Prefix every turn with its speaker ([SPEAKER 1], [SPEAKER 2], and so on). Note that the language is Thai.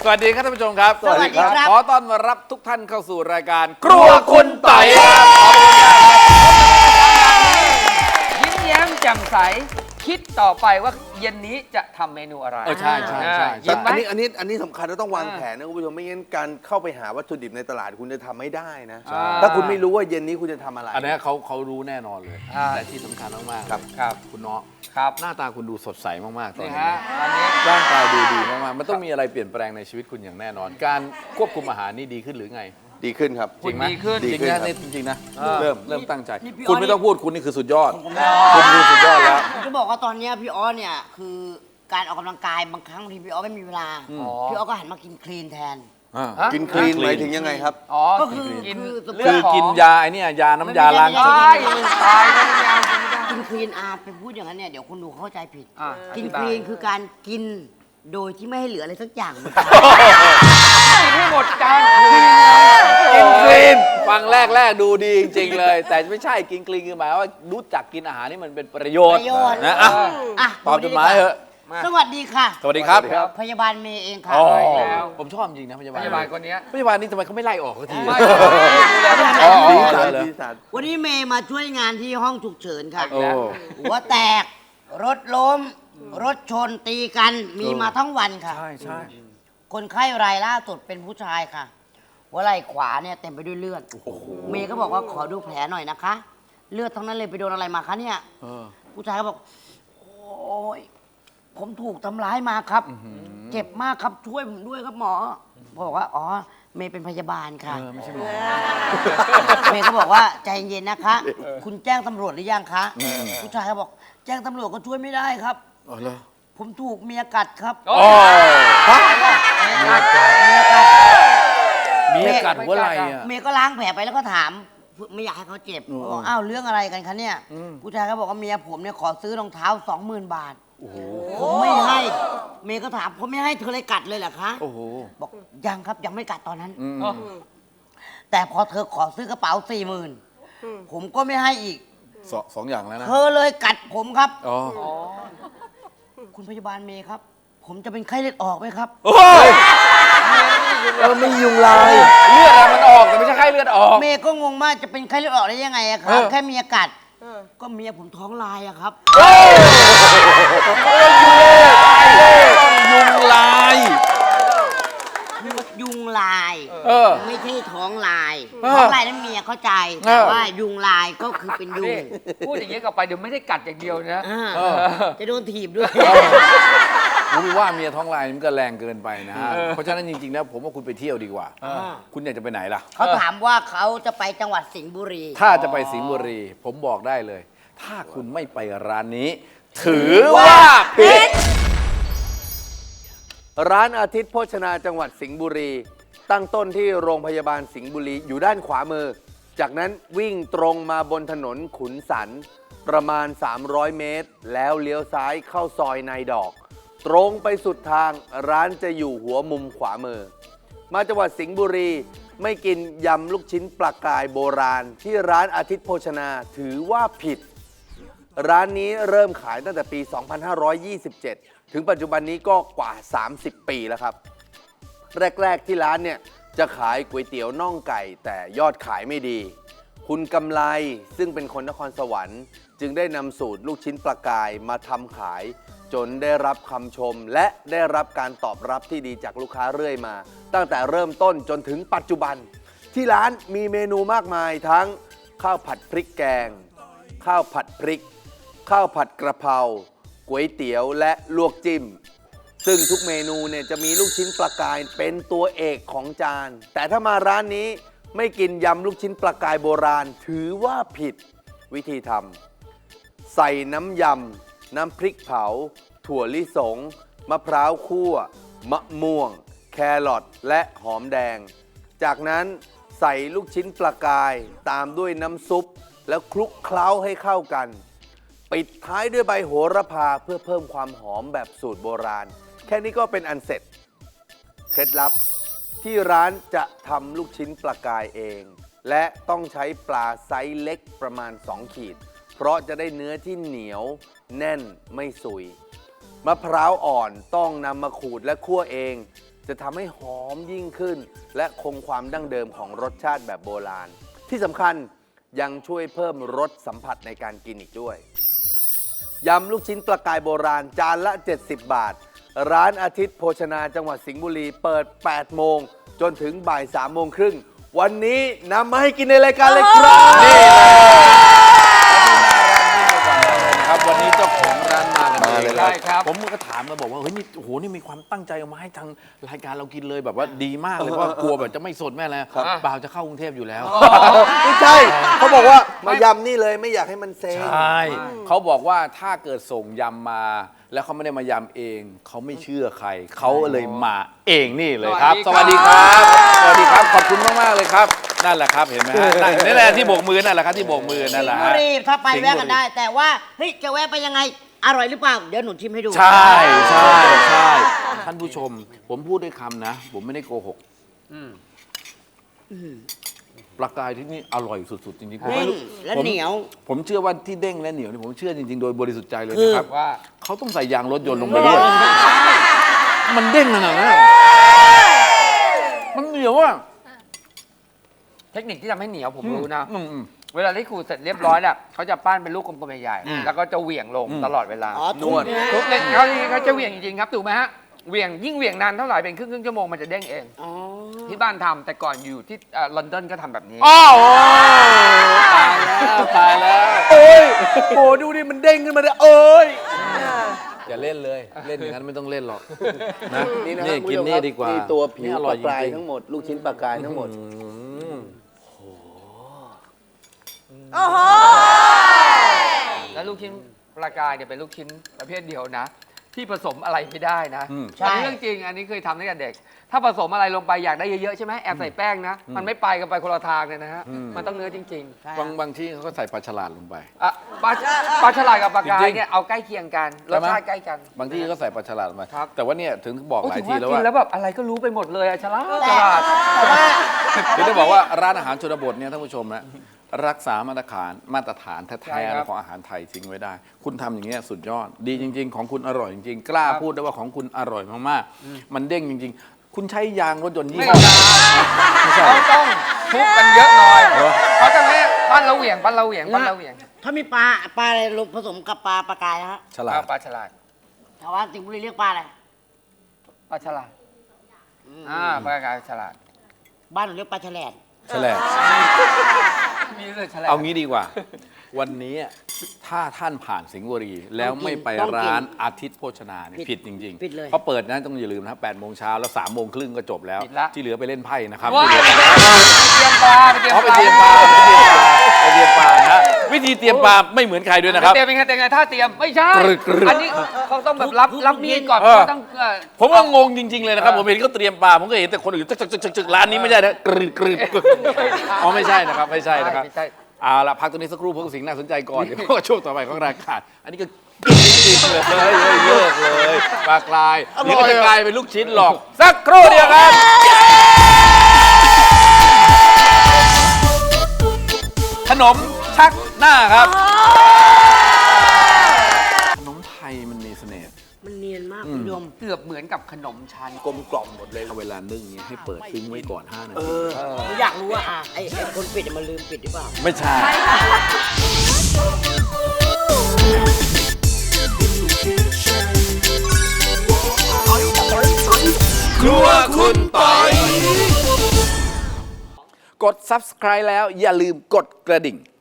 [SPEAKER 1] สวัสดีครับท่านผู้ชมครับ
[SPEAKER 2] สวัสดีครับ
[SPEAKER 1] ขอต้อนรับทุกท่านเข้าสู่รายการครัวคุณไต่ครับ
[SPEAKER 3] ยิ้มแย้มแจ่มใสคิดต่อไปว่าเย็นนี้จะทำเมนูอะไร
[SPEAKER 1] ใช่ใช่ใช่
[SPEAKER 3] ยิ้มไหม
[SPEAKER 2] อันนี้สำคัญเราต้องวางแผนนะคุณผู้ชมไม่งั้นการเข้าไปหาวัตถุดิบในตลาดคุณจะทำไม่ได้นะ ถ้าคุณไม่รู้ว่าเย็นนี้คุณจะทำอะไร
[SPEAKER 1] อันนี้เขารู้แน่นอนเลย
[SPEAKER 3] อ่า
[SPEAKER 1] และที่สำคัญมากๆ
[SPEAKER 2] ครับ
[SPEAKER 3] ครับ
[SPEAKER 1] คุณเนาะ
[SPEAKER 3] ครับ
[SPEAKER 1] หน้าตาคุณดูสดใสมากๆตอน
[SPEAKER 3] นี่
[SPEAKER 1] นี้
[SPEAKER 3] ฮะวันนี้
[SPEAKER 1] ร่างกายดูดีมากๆมันต้องมีอะไรเปลี่ยนแปลงในชีวิตคุณอย่างแน่นอน การควบคุมอาหารนี่ดีขึ้นหรือไง
[SPEAKER 2] ดีขึ้นครับ
[SPEAKER 1] จริงไหม
[SPEAKER 3] ดีขึ้น
[SPEAKER 1] จริงนะนี่จริงๆนะเริ่มตั้งใจ
[SPEAKER 4] นี่พี่
[SPEAKER 1] คุณ
[SPEAKER 4] อ้อย
[SPEAKER 1] ไม่ต้องพูดคุณนี่คือสุดยอดคุณคือสุดยอดแล้ว
[SPEAKER 4] ผมจะบอกว่าตอนเนี้ยพี่ออสเนี่ยคือการออกกำลังกายบางครั้งบางทีพี่ออสไม่มีเวลา พี่ออสก็หันมากินคลีนแทน
[SPEAKER 3] ฮะ
[SPEAKER 2] กินคลีนหมายถึงยังไงครับ
[SPEAKER 3] อ๋อ
[SPEAKER 4] ก็คือ
[SPEAKER 3] กิน
[SPEAKER 4] คือ
[SPEAKER 3] เลื
[SPEAKER 1] คือ อ
[SPEAKER 3] ดของ
[SPEAKER 1] กินยาไอ้เนี่ยยาน้ำยาล้าง
[SPEAKER 4] ไม่
[SPEAKER 1] จา
[SPEAKER 4] ใช่
[SPEAKER 1] น
[SPEAKER 3] ตายแล้วไม่เอากินไม่ได้
[SPEAKER 4] กินคลีนไปพูดอย่างนั้นเนี่ยเดี๋ยวคนดูเข้าใจผิด
[SPEAKER 3] อ่ะ
[SPEAKER 4] กิน
[SPEAKER 3] อธิบาย
[SPEAKER 4] คลีนคือการกินโดยที่ไม่ให้เหลืออะไรสักอย่าง
[SPEAKER 3] กินให้หมดจาน
[SPEAKER 1] กินคลีนฟังแรกดูดีจริงๆเลย แต่ไม่ใช่กินคลีนคือหมายว่ารู้จักกินอาหารนี่มันเป็นประโยชน์
[SPEAKER 4] ประโยชน์
[SPEAKER 1] นะอ่ะ
[SPEAKER 4] อ่ะ
[SPEAKER 1] ตอบจดหมายเถอะ
[SPEAKER 4] สวัสดีค่ะ
[SPEAKER 1] สวัสดีครับ
[SPEAKER 4] พยาบาลเมย์เองค่ะ
[SPEAKER 1] อ๋อ
[SPEAKER 3] แล้ว
[SPEAKER 1] ผมชอบจริงนะพยา
[SPEAKER 3] พ
[SPEAKER 1] บาล
[SPEAKER 3] ยาบาลคนเนี้ย
[SPEAKER 1] พยาบาลนี่ทำไมเขาไม่ไล่ออกสักที
[SPEAKER 3] ไม่
[SPEAKER 1] อ๋อ
[SPEAKER 2] สีสัน
[SPEAKER 1] เหรอ
[SPEAKER 2] สีสัน
[SPEAKER 4] วันนี้เมย์มาช่วยงานที่ห้องฉุกเฉินค่ะ
[SPEAKER 1] โอ้
[SPEAKER 4] หัวแตก รถล้ม รถชนตีกันมีมาทั้งวันค่ะ
[SPEAKER 1] ใช่ใช่
[SPEAKER 4] คนไข้รายล่าสุดเป็นผู้ชายค่ะ หัวไหล่ขวาเนี่ยเต็มไปด้วยเลือด เมย์ก็บอกว่าขอดูแผลหน่อยนะคะ เลือดทั้งนั้นเลยไปโดนอะไรมาคะเนี่ย
[SPEAKER 1] เออ
[SPEAKER 4] ผู้ชายก็บอก โอ้ยผมถูกทำร้ายมาครับ เจ็บมากครับช่วยผมด้วยครับหมอบอกว่าอ๋อเมย์เป็นพยาบาลค่ะ
[SPEAKER 1] ไม่ใช่หมอ
[SPEAKER 4] เมย์ก็บอกว่าใจเย็นนะคะ คุณแจ้งตำรวจหรือยังคะ ผู้ชายก็บอก แจ้งตำรวจก็ช่วยไม่ได้ครับ
[SPEAKER 1] อ๋อเหรอ
[SPEAKER 4] ผมถูกเมียกัดครับ
[SPEAKER 3] โอ้
[SPEAKER 4] เมียกัด
[SPEAKER 1] เมียกัดหัวไหล่อะ
[SPEAKER 4] เมย์ก็ล้างแผลไปแล้วก็ถาม ไม่อยากให้เขาเจ็บบอกอ้าวเรื่องอะไรกันคะเนี่ย ผู้ชายก็บอกว่าเมียผมเนี่ยขอซื้อรองเท้า 20,000 บาทผมไม่ให้ เมย์ก็ถามผมไม่ให้เธอเลยกัดเลยเหรอคะ
[SPEAKER 1] โอ้โห
[SPEAKER 4] บอกยังครับยังไม่กัดตอนนั้น
[SPEAKER 1] อืม
[SPEAKER 4] แต่พอเธอขอซื้อกระเป๋า 40,000ผมก็ไม่ให้อีก
[SPEAKER 1] สองอย่างแล้วนะ
[SPEAKER 4] เธอเลยกัดผมครับ
[SPEAKER 1] อ๋อ
[SPEAKER 4] คุณพยาบาลเมย์ครับ ผมจะเป็นไข้เลือดออกไหมครับ
[SPEAKER 1] โอ้ย
[SPEAKER 2] ไม่ยุงลาย
[SPEAKER 1] เลือดอะมันออกแต่ไม่ใช่ไข้เลือดออก
[SPEAKER 4] เมย์ก็งงมากจะเป็นไข้เลือดออกได้ยังไงอะครับ แค่เมียกัดก็เมียผมท้องลายอะครับ
[SPEAKER 1] ยุงลาย
[SPEAKER 4] ยุงลาย
[SPEAKER 1] เออ
[SPEAKER 4] ไม่ใช่ท้องลาย
[SPEAKER 1] เออ
[SPEAKER 4] ท้องลายนั้นเมียเข้าใจ
[SPEAKER 1] เอ
[SPEAKER 4] แต่
[SPEAKER 1] อ
[SPEAKER 4] ว่ายุงลายก็คือเป็นยุ
[SPEAKER 3] นี่
[SPEAKER 4] ง
[SPEAKER 3] พูดอย่างนี้กลับไปเดี๋ยวไม่ได้กัดอย่างเดียวนะ
[SPEAKER 4] อ่า
[SPEAKER 1] เออ
[SPEAKER 4] จะโดนถีบด้วย
[SPEAKER 1] ผมว่าเมียท้องลายนี่มันก็แรงเกินไปนะฮะ เพราะฉะนั้นจริงๆแล้วผมว่าคุณไปเที่ยวดีกว่า คุณอยากจะไปไหนล่ะ
[SPEAKER 4] เขาถามว่าเขาจะไปจังหวัดสิงห์บุรี
[SPEAKER 1] ถ้าจะไปสิงห์บุรี ผมบอกได้เลย ถ้าคุณไม่ไปร้านนี้ ถือว่าผิด
[SPEAKER 2] ร้านอาทิตย์โภชนาจังหวัดสิงห์บุรี ตั้งต้นที่โรงพยาบาลสิงห์บุรีอยู่ด้านขวามือ จากนั้นวิ่งตรงมาบนถนนขุนสันประมาณ 300 เมตร แล้วเลี้ยวซ้ายเข้าซอยนายดอก ตรงไปสุดทางร้านจะอยู่หัวมุมขวามือ มาจังหวัดสิงห์บุรีไม่กินยำลูกชิ้นปลากายโบราณ ที่ร้านอาทิตย์โภชนาถือว่าผิด ร้านนี้เริ่มขายตั้งแต่ปี 2527 ถึงปัจจุบันนี้ก็กว่า 30 ปีแล้วครับ แรก ๆ ที่ร้านเนี่ยจะขายก๋วยเตี๋ยวน่องไก่ แต่ยอดขายไม่ดี คุณกำไลซึ่งเป็นคนนครสวรรค์จึงได้นำสูตรลูกชิ้นปลากายมาทำขาย จนได้รับคำชม และได้รับการตอบรับที่ดีจากลูกค้าเรื่อยมา ตั้งแต่เริ่มต้นจนถึงปัจจุบัน ที่ร้านมีเมนูมากมายทั้งข้าวผัดพริกแกง ข้าวผัดพริก ข้าวผัดกระเพราก๋วยเตี๋ยวและลวกจิ้ม ซึ่งทุกเมนูเนี่ยจะมีลูกชิ้นปลากายเป็นตัวเอกของจาน แต่ถ้ามาร้านนี้ไม่กินยำลูกชิ้นปลากายโบราณถือว่าผิดวิธีทำใส่น้ำยำน้ำพริกเผา ถั่วลิสง มะพร้าวคั่ว มะม่วง แครอทและหอมแดง จากนั้นใส่ลูกชิ้นปลากายตามด้วยน้ำซุป แล้วคลุกเคล้าให้เข้ากัน ปิดท้ายด้วยใบโหระพาเพื่อเพิ่มความหอมแบบสูตรโบราณ แค่นี้ก็เป็นอันเสร็จ เคล็ดลับที่ร้านจะทำลูกชิ้นปลากายเอง และต้องใช้ปลาไซส์เล็กประมาณ 2 ขีด เพราะจะได้เนื้อที่เหนียวแน่นไม่สุย มะพร้าวอ่อนต้องนำมาขูดและคั่วเองจะทำให้หอมยิ่งขึ้น และคงความดั้งเดิมของรสชาติแบบโบราณ ที่สำคัญยังช่วยเพิ่มรสสัมผัสในการกินอีกด้วยยำลูกชิ้นปลากายโบราณจานละ 70 บาท ร้านอาทิตย์โภชนาจังหวัดสิงห์บุรีเปิด 8 โมงจนถึงบ่าย 3 โมงครึ่ง วันนี้นำมาให้กินในรายการเลยครับ
[SPEAKER 1] นี่เลยครับวันนี้เจ้าของร้านมากันเอง
[SPEAKER 3] ใช่ครับ
[SPEAKER 1] ผมก็ถามมาบอกว่าเฮ้ยนี่โอ้โหนี่มีความตั้งใจเอามาให้ทางรายการเรากินเลยแบบว่าดีมากเลยเพราะว่ากลัวแบบจะไม่สดแม่แล้วเปล่าจะเข้ากรุงเทพอยู่แล้ว
[SPEAKER 2] ไม่ใช่ เขาบอกว่ามายำนี่เลยไม่อยากให้มันเซ็ง
[SPEAKER 1] ใช่เขาบอกว่าถ้าเกิดส่งยำมา แล้วเขาไม่ได้มายำเอง เขาไม่เชื่อใคร เขาเลยมาเองนี่เลยครับ สวัสดีครับ สวัสดีครับ ขอบคุณมากๆเลยครับ นั่นแหละครับ เห็นไหมฮะนั่นแหละที่โบกมือนั่นแหละครับที่โบกมือนั่นแหละ
[SPEAKER 4] สิงห์
[SPEAKER 1] ฮะ
[SPEAKER 4] บุรีถ้าไปแวะกันได้ แต่ว่าเฮ้ยจะแวะไปยังไงอร่อยหรือเปล่าเดี๋ยวหนูชิมให้ดู
[SPEAKER 1] ใช่ใช่ใช่ท่านผู้ชม ผมพูดด้วยคำนะ ผมไม่ได้โกหกปลากายที่นี่อร่อยสุดๆจริงๆผม
[SPEAKER 4] เด้
[SPEAKER 1] ไม่
[SPEAKER 4] ง
[SPEAKER 1] รู้
[SPEAKER 4] และ
[SPEAKER 1] ผม
[SPEAKER 4] เหนียว
[SPEAKER 1] ผมเชื่อว่าที่เด้งและเหนียวนี่ผมเชื่อจริงๆ โดยบริสุทธิ์ใจเลยนะครับ
[SPEAKER 3] ว่า
[SPEAKER 1] เขาต้องใส่ยางรถยนต์ลงไปด้วย มันเด้งขนาดนั้นอะมันเหนียวอ่ะ
[SPEAKER 3] เทคนิคที่ทำให้เหนียวผมรู้นะ
[SPEAKER 1] อืม
[SPEAKER 3] เวลาที่ขูดเสร็จเรียบร้อยแล้วเขาจะปั้นเป็นลูกกลมๆใหญ่ๆแล้วก็จะเหวี่ยงลงตลอดเวลา
[SPEAKER 4] อ๋อทุบเนี่ย
[SPEAKER 3] ทุกเด็กเขาจะเหวี่ยงจริงๆครับถูกไหมฮะเหวี่ยงยิ่งเหวี่ยงนานเท่าไหร่เป็นครึ่งชั่วโมงมันจะเด้งเอง
[SPEAKER 4] อ๋อ
[SPEAKER 3] ที่บ้านทำแต่ก่อนอยู่ที่ลอนดอนก็ทำแบบนี้
[SPEAKER 1] อ้าวตายแล้วตายแล้ว
[SPEAKER 2] โอ้ยโอ้ดูดิมันเด้งขึ้นมาเลยเอ้ย
[SPEAKER 1] อย่าเล่นเลย เล่นอย่างนั้นไม่ต้องเล่นหรอกนะ
[SPEAKER 2] นี่นะ
[SPEAKER 1] นี่
[SPEAKER 2] ครับ
[SPEAKER 1] กิน
[SPEAKER 2] คุณผู้ชม
[SPEAKER 1] นี่
[SPEAKER 2] ครับ
[SPEAKER 1] ดีกว่า
[SPEAKER 2] นี่ตัวผิว
[SPEAKER 1] อ
[SPEAKER 2] ป
[SPEAKER 1] ร่อ
[SPEAKER 2] ลาย กาย
[SPEAKER 1] จริง
[SPEAKER 2] ทั้งหมด ลูกชิ้นปลากายทั้งหมด
[SPEAKER 3] แล้วลูกชิ้นปลากายเนี่ยเป็นลูกชิ้นประเภทเดียวนะ ที่ผสมอะไรไม่ได้นะ
[SPEAKER 4] ใช่
[SPEAKER 3] อันนี้เรื่องจริงอันนี้เคยทำตั้งแต่เด็ก ถ้าผสมอะไรลงไปอยากได้เยอะๆใช่ไหมแอบใส่แป้งนะ มันไม่ไปกันไปคนละทางเลยนะฮะมันต้องเนื้อจริง
[SPEAKER 4] ใช่
[SPEAKER 1] บางที่เขาก็ใส่ปลาฉลาดลงไป
[SPEAKER 3] ๆอ่ะปลาฉลาดกับปลากาย
[SPEAKER 1] จริงๆ
[SPEAKER 3] เนี่ยเอาใกล้เคียงกันรสชาติใกล้กัน
[SPEAKER 1] บางที่ก็ใส่ปลาฉลาดลงไป
[SPEAKER 3] ครับ
[SPEAKER 1] แต่ว่าเนี่ยถึงบอก
[SPEAKER 3] โอ้
[SPEAKER 1] หลาย
[SPEAKER 3] ถือ
[SPEAKER 1] ที
[SPEAKER 3] ว่า
[SPEAKER 1] แล้วว่า
[SPEAKER 3] กินแล้วแบบอะไรก็รู้ไปหมดเลยอะฉลาดฉลาด
[SPEAKER 1] คือได้บอกว่าร้านอาหารชนบทเนี่ยท่านผู้ชมนะรักษามาตรฐาน
[SPEAKER 3] ใช่
[SPEAKER 1] แท้
[SPEAKER 3] ครับ
[SPEAKER 1] ๆของอาหารไทยทิ้งไว้ได้ คุณทำอย่างเงี้ยสุดยอด ดีจริง ๆ ของคุณอร่อยจริงๆ กล้าพูดได้ว่าของคุณอร่อยมากๆ มันเด้งจริง ๆ คุณใช้ยางรถยนต์ยี่
[SPEAKER 3] ไม่
[SPEAKER 1] ห้อ
[SPEAKER 3] ได้
[SPEAKER 1] ไม่ใช่
[SPEAKER 3] เขาต้องทุบกันเยอะหน่อย
[SPEAKER 1] เหรอ
[SPEAKER 3] เขาจะไม่ปั้นเราเหวี่ยงปั้นเราเหวี่ยงปั้นเราเหวี่ยง
[SPEAKER 4] ถ้ามีปลาอะไรลงผสมกับปลากายนะฮะ
[SPEAKER 1] ฉลาด
[SPEAKER 3] ปลาฉลาด
[SPEAKER 4] ชาวบ้านสิงห์บุรีเรียกปลาอะไร
[SPEAKER 3] ปลาฉลาดปลากายฉลาด
[SPEAKER 4] บ้านหนูเรียกปลาแฉลด
[SPEAKER 1] ฉลาด
[SPEAKER 3] มีเลยฉลาด
[SPEAKER 1] เอางี้ดีกว่า วันนี้ถ้าท่านผ่านสิงห์บุรี แล้วไม่ไปร้านอาทิตย์โภชนาเนี่ยผิดจริง
[SPEAKER 4] ผิดเลย
[SPEAKER 1] เขาเปิดนะต้องอย่าลืมนะ8 โมงเช้าแล้ว3 โมงครึ่งก็จบแล้ว ที่เหลือไปเล่นไพ่นะครับ
[SPEAKER 3] ว้าย
[SPEAKER 1] ที่เหลือ
[SPEAKER 3] เตรียมปลาไปเตรียม
[SPEAKER 1] เขาไป
[SPEAKER 3] ปลา
[SPEAKER 1] เตรียมปลาไปเตรียมปลานะวิธีเตรียมปลาไม่เหมือนใครด้วยนะครับ
[SPEAKER 3] เตรียมเป็นไงเตรียมไงถ้าเตรียมไม่ใช่
[SPEAKER 1] กรึก
[SPEAKER 3] อันนี้เขาต้องแบบรับมีดก่อน
[SPEAKER 1] เออ
[SPEAKER 3] เขาต้อง
[SPEAKER 1] ผมก็งงจริง ๆ เลยนะครับ ผมเห็นเขาเตรียมปลาผมก็เห็นแต่คนอื่นจึกร้านนี้ไม่ใช่นะกรึบอ๋อไม่ใช่นะครับไม่ใช่นะครับ
[SPEAKER 3] ไม่ใช่
[SPEAKER 1] เอาละพักตรงนี้สักครู่พวกสิ่งน่าสนใจก่อนเดี๋ยวพวกช่วงต่อไปของรายการอันนี้ก็กินเลยเลิกเลยปลากรายเดี๋ยวก็จะกลายเป็นลูกชิ้นหรอกสักครู่เดียวครับขนมชักหน้าครับขนมไทยมันมีเสน่ห์
[SPEAKER 4] มันเนียนมากคุณผู้ชม
[SPEAKER 3] เกือบเหมือนกับขนมชั้น
[SPEAKER 2] กลมกล่อมหมดเลย
[SPEAKER 1] เวลานึ่งเนี่ยให้เปิดทิ้งไว้ก่อน5 นาที
[SPEAKER 4] หนูอยากรู้ว่าไอ้คนปิดมันลืมปิดหรือเปล่า
[SPEAKER 1] ไม่ใช่ ครัวคุณปอยกด subscribe แล้วอย่าลืมกดกระดิ่ง